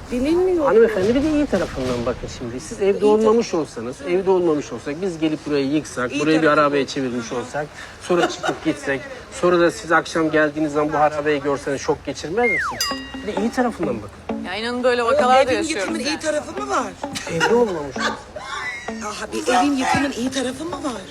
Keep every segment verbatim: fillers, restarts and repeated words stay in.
Bilinmiyor. Hanımefendi bir de iyi tarafından bakın şimdi. Siz evde olmamış olsanız, evde olmamış olsak, biz gelip burayı yıksak, İyi burayı bir tarafı. arabaya çevirmiş olsak, sonra çıkıp gitsek, sonra da siz akşam geldiğiniz zaman bu arabayı görseniz şok geçirmez misiniz? Bir de iyi tarafından bakın. Ya inanın böyle vakalar da Evin yaşıyoruz. yıkımın iyi yani. tarafı mı var? Evde olmamış olsa. Aha bir evin yıkımın iyi tarafı mı var?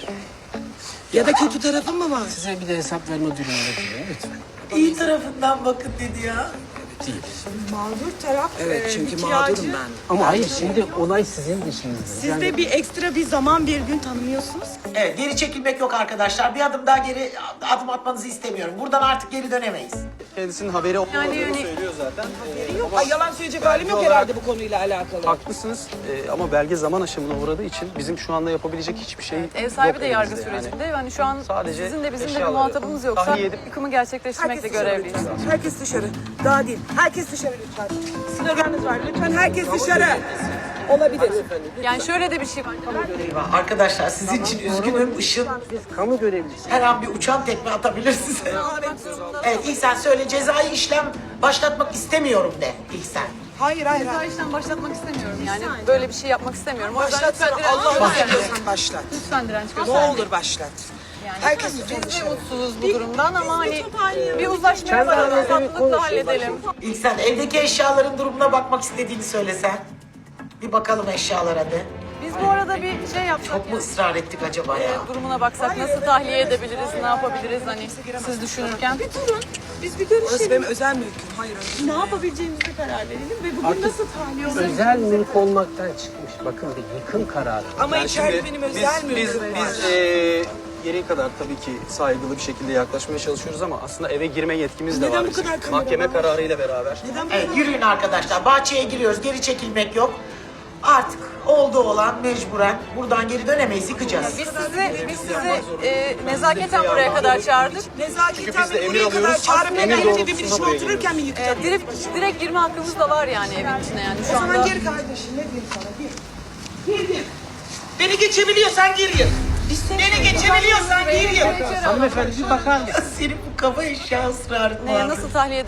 Ya da kötü tarafı mı var? Size bir de hesap verme durumunda diyorum lütfen. İyi tarafından bakın dedi ya. Değil. Mağdur taraf Evet e, çünkü bir mağdurum kiracı. ben. Ama hayır şimdi olay sizin dışınızda. Siz de bir ekstra bir zaman bir gün tanımıyorsunuz. Evet, geri çekilmek yok arkadaşlar. Bir adım daha geri adım atmanızı istemiyorum. Buradan artık geri dönemeyiz. Kendisinin haberi olmadığını Yani hani- söylüyor zaten. Ay yalan söyleyecek halim yok herhalde bu konuyla alakalı. Haklısınız ee, ama belge zaman aşımına uğradığı için bizim şu anda yapabilecek hiçbir şey Ev sahibi yok de yargı elimizde yani. sürecinde. Yani şu an Sadece sizin de bizim de bir eşyaları muhatabımız yoksa tahliye edip- yıkımı gerçekleştirmekle görevliyiz. Herkes dışarı. Daha değil. Herkes dışarı lütfen. Sloganınız var. Lütfen herkes dışarı. Olabilir. Yani şöyle de bir şey var. Eyvah, arkadaşlar sizin için üzgünüm. Işın Biz kamu görevlisi. her an bir uçan tekme atabilir size. Evet, İhsan söyle, cezai işlem başlatmak istemiyorum de İhsan. Hayır hayır. Daha hayır. işten başlatmak istemiyorum yani. Böyle bir şey yapmak istemiyorum. O yüzden Başlat lütfen sana. direnç Allah gösterin. bahsediyorsan başlat. Lütfen direnç Ne gösterin. olur başlat. Yani Herkes biz lütfen de dışarı. mutsuzuz bu durumdan ama hani bir uzlaşmaya Kendi varalım, aranızda bir tatlılıkla konuşun, halledelim. İhsan, evdeki eşyaların durumuna bakmak istediğini söylesen. Bir bakalım eşyalara de. Biz bu arada bir şey yapsak Çok mu ya. ısrar ettik acaba ya? Durumuna baksak nasıl tahliye edebiliriz, ne yapabiliriz hani siz düşünürken. Bir durun. Biz bir Orası görüşelim. benim özel mülküm. Hayır öyle. Ne yapabileceğimize karar verelim ve bugün nasıl tahliye olur? Özel mülk olmaktan çıkmış. Bakın bir yıkım kararı. Ama Yani içeride şimdi benim biz, özel biz, mülküm var. biz eee gereği kadar tabii ki saygılı bir şekilde yaklaşmaya çalışıyoruz ama aslında eve girme yetkimiz de Neden var bu bizim. kadar kamera Mahkeme var? kararıyla beraber. Neden Evet, yürüyün arkadaşlar. Bahçeye giriyoruz. Geri çekilmek yok. Artık oldu olan mecburen buradan geri dönemeyiz. Yıkacağız. Biz sizi, biz sizi e, nezaketen buraya kadar çağırdık. Nezaketen biz de beni emir buraya kadar alıyoruz. çağırıp Emir neden doğrultusunda evimin içine buraya otururken mi E, yıkacağım? direkt, direkt girme hakkımız da var yani evin içine yani O şu zaman anda. gir kardeşim ne diyeyim sana gir. Gir gir. Beni geçebiliyorsan gir gir. Beni geçebiliyorsan gir gir. Hanımefendi bir bakar mısınız? Senin bu kafa eşya ısrarın Neye var. nasıl tahliye